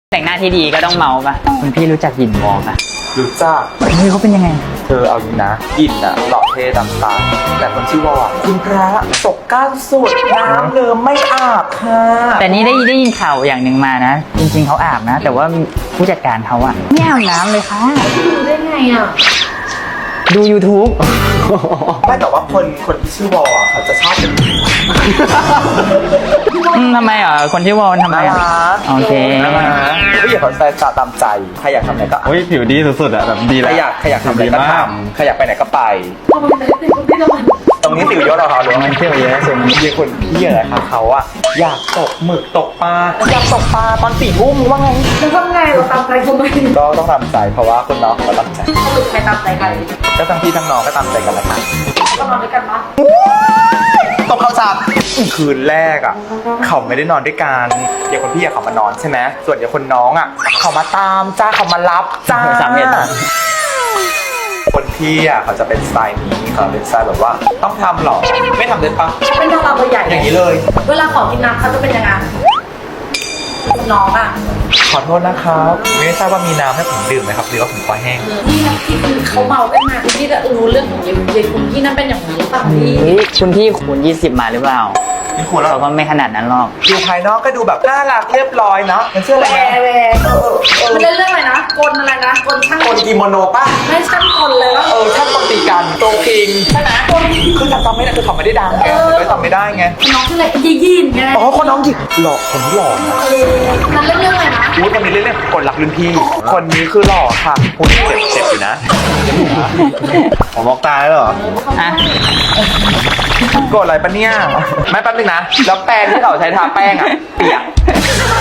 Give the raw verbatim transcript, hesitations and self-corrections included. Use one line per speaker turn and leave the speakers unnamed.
แต่งหน้าที่ดีก็ต้องเมาป่ะคุณพี่รู้จักหยินวอลป่ะ
รู้จัก
เฮ้ยเขาเป็นยังไง
เธอเอาดีนะยินอะหล่อเท่ดำตาแต่คนชื่อวอลคุณพระตกก้านสุดน้ำเลิมไม่อาบค่ะ
แต่นี่ได้ได้ยินข่าวอย่างหนึ่งมานะจริงๆเขาอาบนะแต่ว่าผู้จัดการเขาอะไม่อาบน้ำเลยค่ะ
ดูได้ไงอะ
ดู YouTube
ไม่แต่ว่าคนคนที่ชื่อวอลอะเขาจะชอบเป็น
อืมทำไมอ่ะคนที่วอลทำไมอ่ะโอเค
ไม่อยากเขาใส่ตาตามใจใครอยากทำไหนก็
เฮ้ยผิวดีสุดๆอ่ะแบบดีแล้ว
ใครอยากใครอยากทำอะไรก็ทำใครอยากไปไหนก็ไป
ทำไมแต่ติดคนที่ละมัน
ตรงนี้สิวเยอะเหรอคะหรือว่า
มันเที่ยวเยอะสุด
เยี่ยคนพี่อะไรคะเขาอะอยากตกหมึกตกปลาอยากตกปลาตอนสี่ทุ่มว่าไง
แล้วทำไงเราตามใจทำไม
ก็ต้องตามใจเพราะว่าคนน้องเขาตามใจ
สรุปใครตามใจใคร
ก็ทั้งพี่ทั้งน้องก็ตามใจกันแหละค่ะ
ก็นอนด้วยกันปะ
ตกเขาจับคืนแรกอ่ะเขาไม่ได้นอนด้วยกันเดี๋ยวคนพี่อะเขามานอนใช่ไหมส่วนเดี๋ยวคนน้องอ่ะเขามาตามจ้าเขามารับจ้า
สามเหตุ
คนพี่อ่ะเขาจะเป็นสไตล์นี้เขาเป็นสไตล์แบบว่าต้องทำหรอไม่ทำได้ปะ
เป็นดาราเบอร์ใหญ่
อย่างนี้เลย
เวลาขอกินน้ำเขาจะเป็นยังไงน้องอ่ะ
ขอโทษนะครับไม่ทราบว่ามีน้ำให้ผมดื่มไหมครับหรือว่าผมคอแห้ง
นี่นะที่คือเขาเมากันมาคุณพี่จะรู้เรื่องของเยคุณพี่นั่นเป็นอย่างนี้หรือเปล่าพี่
คุณพี่คูณยี่สิบมาหรือเปล่า
นี่คุณแล้ว
เราก็ไม่ขนาดนั้นหรอก
ดูภายนอกก็ดูแบบน่ารักเรียบร้อยเนาะมันเชื่ออะไรนะ
มันเล่นเรื่องอะไรนะกลอะไรนะกลช่าง
กลกิโมโนป่ะ
ไม่ช่างกลเลยว่า
เออช่างกลตีกันโตคิงใช่ไหมคือจำจำไม่ได้คือเขาไม่ได้ดังไงเลยจำไม่ได้ไง
น้องคืออะไรยียินไง
อ๋อคนน้องหยิกหล่อคนที่หล่อนะ
มันเล่นเรื่องอะไรนะ
อุ้ยคนนี้เล่นเรื่องกลรักรุ่นพี่คนนี้คือหล่อค่ะคุณเจ็บเจ็บอยู่นะ
ผมมองตาแล้วเหรอ
อ่ะ
โกรธอะไรปะเนี่ยไม่แป๊บนึงนะแล้วแป้งที่เขาใช้ทาแป้งอ่ะเปียก